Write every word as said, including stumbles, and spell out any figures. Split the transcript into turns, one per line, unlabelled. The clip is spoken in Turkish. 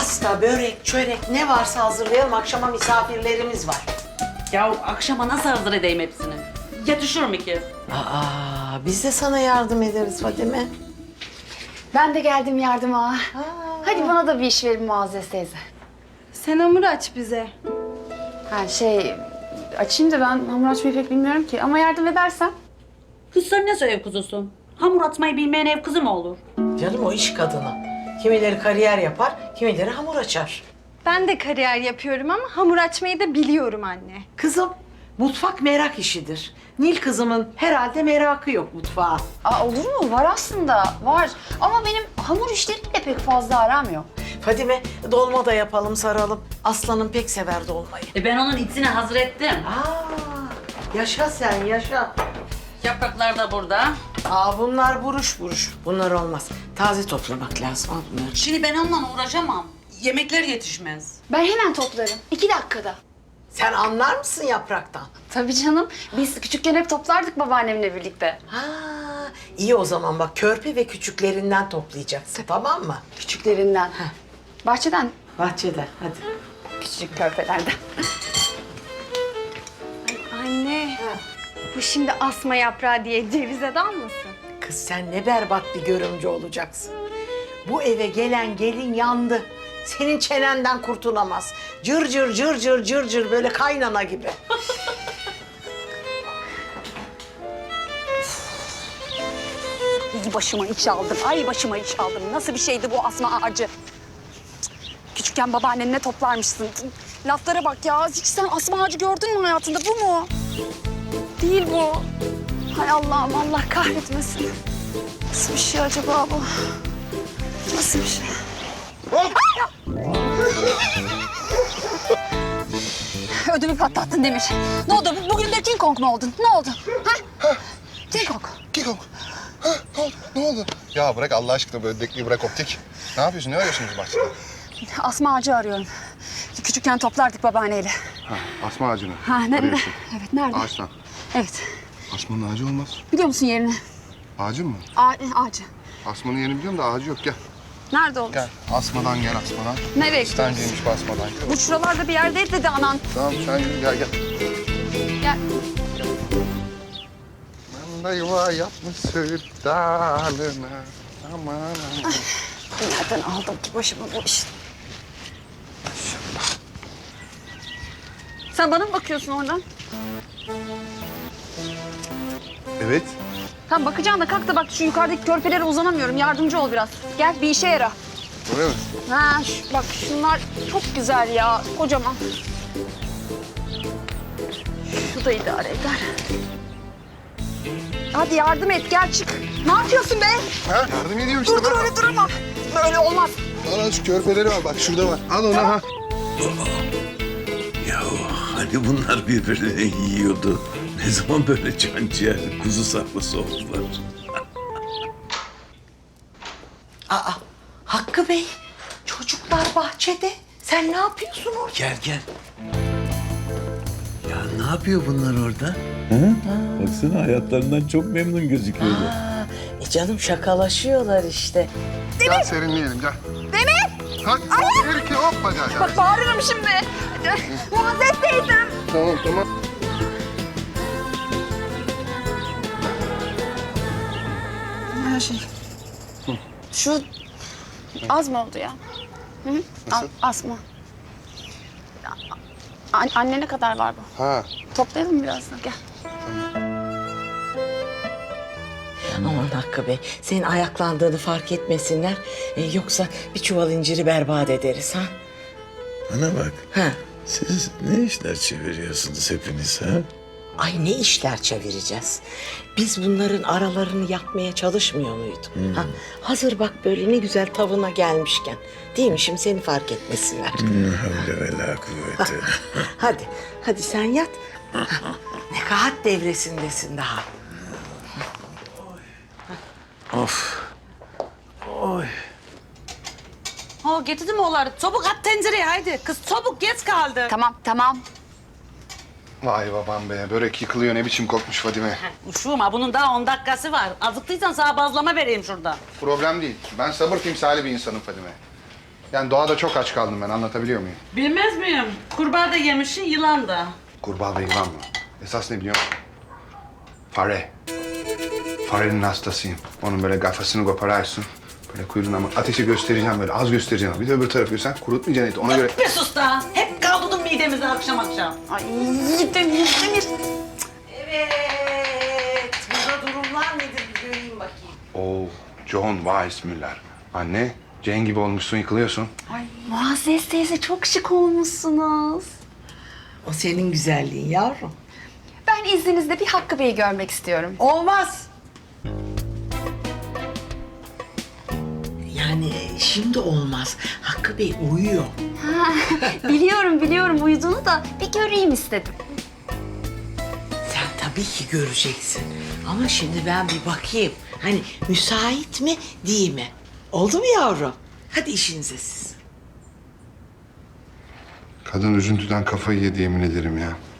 Pasta, börek, çörek ne varsa hazırlayalım. Akşama misafirlerimiz var.
Ya akşama nasıl hazır edeyim hepsini? Yetişir mi ki?
Aa, biz de sana yardım ederiz Fadime.
Ben de geldim yardıma. Hadi bana da bir iş verin Muazzez teyze.
Sen hamur aç bize.
Ha şey, açayım da ben hamur açmayı pek bilmiyorum ki. Ama yardım edersen.
Kız sen nasıl ev kızısın? Hamur atmayı bilmeyen ev kızı mı olur?
Canım o iş kadını. Kimileri kariyer yapar, kimileri hamur açar.
Ben de kariyer yapıyorum ama hamur açmayı da biliyorum anne.
Kızım, mutfak merak işidir. Nil kızımın herhalde merakı yok mutfağa.
Aa, olur mu? Var aslında, var. Ama benim hamur işleriyle pek fazla aram yok.
Fadime, dolma da yapalım, saralım. Aslanım pek sever dolmayı.
E ben onun içine hazır ettim.
Aa, yaşa sen, yaşa.
Yapraklar da burada.
Aa, bunlar buruş buruş. Bunlar olmaz. Taze toplamak lazım. Al bunları.
Şimdi ben onunla uğraşamam. Yemekler yetişmez.
Ben hemen toplarım. iki dakikada.
Sen anlar mısın yapraktan?
Tabii canım. Biz küçükken hep toplardık babaannemle birlikte.
Ha, iyi o zaman bak körpe ve küçüklerinden toplayacaksın, tamam mı?
Küçüklerinden. Bahçeden.
Bahçede, hadi.
Küçücük körpelerden.
Anne, bu şimdi asma yaprağı diye cevize dalmasın?
Kız sen ne berbat bir görümcü olacaksın. Bu eve gelen gelin yandı. Senin çenenden kurtulamaz. Cır cır cır cır cır cır böyle kaynana gibi.
İyi başıma iş aldım. Ay başıma iş aldım. Nasıl bir şeydi bu asma ağacı? Cık. Küçükken babaannenle toplarmışsın. Laflara bak ya. Hiç sen asma ağacı gördün mü hayatında? Bu mu? Değil bu. Hay Allah'ım, Allah kahretmesin. Nasıl bir şey acaba bu? Nasıl bir şey? Ödümü patlattın Demir. Ne oldu? Bugün de King Kong mu oldun? Ne oldu? Ha? King Kong.
King Kong. Ha, ne oldu? Ne oldu? Ya bırak Allah aşkına böyle dekliği bırak optik. Ne yapıyorsun? Ne arıyorsunuz bahçede?
Asma ağacı arıyorum. Küçükken toplardık babaanneyle.
Ha, asma ağacını.
Ha, ne,
arıyorsun.
evet, nerede?
Ağaçtan.
Evet.
Asmanın ağacı olmaz.
Biliyor musun yerini?
Ağacın mı?
A ağacı.
Asmanın yerini biliyorum da ağacı yok. Gel.
Nerede olur?
Gel. Asmadan gel asmadan.
Nereye
İstenceymiş bu asmadan. Gel.
Bu şuralarda bir yerdeydi dedi anan.
Tamam sen yürü gel gel.
Gel.
Ben de yuva yapmış söğüt dalına. Aman aman.
Nereden aldım ki başıma bu işi? Sen bana mı bakıyorsun oradan?
Evet.
Tamam bakacağım da kalk da bak şu yukarıdaki körpelere uzanamıyorum. Yardımcı ol biraz. Gel bir işe yara.
Öyle mi?
Ha şu- bak şunlar çok güzel ya. Kocaman. Şu da idare eder. Hadi yardım et gel çık. Ne yapıyorsun be?
Ha, yardım ediyorum işte.
Dur dur öyle durma. Böyle olmaz.
Al al şu körpeleri var bak şurada var. Al onu ha.
Ya hani bunlar birbirlerini yiyordu. Ne zaman böyle can ciğer, kuzu sarması oldular?
Aa, Hakkı Bey, çocuklar bahçede. Sen ne yapıyorsun orada?
Gel gel. Ya ne yapıyor bunlar orada? Hı? Baksana hayatlarından çok memnun gözüküyorlar.
Aa, e canım şakalaşıyorlar işte.
Gel serinleyelim gel. Demir! Hadi bir iki hoppa gel gel.
Bak bağırırım şimdi. Muazzez teyzem.
Tamam tamam.
Her şey. Şu az mı oldu ya? Hı -hı.
Nasıl?
Az mı? An anne ne kadar var bu?
Ha.
Toplayalım biraz da gel.
Aman Hakkı Bey, senin ayaklandığını fark etmesinler. E, yoksa bir çuval inciri berbat ederiz ha.
Bana bak,
Ha.
siz ne işler çeviriyorsunuz hepiniz ha?
Ay ne işler çevireceğiz. Biz bunların aralarını yapmaya çalışmıyor muyduk? Ha, hazır bak böyle ne güzel tavına gelmişken. Değil mi şimdi seni fark etmesinler.
Ne havle ve la kuvvete.
Hadi, hadi sen yat. Ha, nekahat devresindesin daha.
Of. Oy.
Ha getirdim oğulları. Çabuk at tencereye haydi. Kız çabuk geç kaldı.
Tamam tamam.
Vay babam be börek yıkılıyor ne biçim kokmuş Fadime.
Uşuğum ha bunun daha on dakikası var. Azıktıysan sana bazlama vereyim şurada.
Problem değil. Ben sabır timsali bir insanım Fadime. Yani doğada çok aç kaldım ben, anlatabiliyor muyum?
Bilmez miyim? Kurbağa da yemişsin, yılan da.
Kurbağa ve yılan mı? Esas ne biliyor musun? Fare. Farenin hastasıyım. Onun böyle kafasını kopararsın. Böyle kuyruğuna ama ateşi göstereceğim böyle, az göstereceğim. Bir de öbür tarafı sen kurutmayacaksın eti. Ona göre...
Bir sus da. Hep kaldırdın midemizi akşam akşam.
Ay Demir, Demir.
Evet. Burada durumlar nedir bir göreyim bakayım.
Oo, John Weissmuller. Anne, Jane gibi olmuşsun, yıkılıyorsun.
Ay Muazzez teyze çok şık olmuşsunuz.
O senin güzelliğin yavrum.
Ben izninizle bir Hakkı Bey'i görmek istiyorum.
Olmaz. Yani şimdi olmaz. Hakkı Bey uyuyor.
Biliyorum biliyorum uyuduğunu da bir göreyim istedim.
Sen tabii ki göreceksin. Ama şimdi ben bir bakayım. Hani müsait mi değil mi? Oldu mu yavrum? Hadi işinize siz.
Kadın üzüntüden kafayı yedi yemin ederim ya.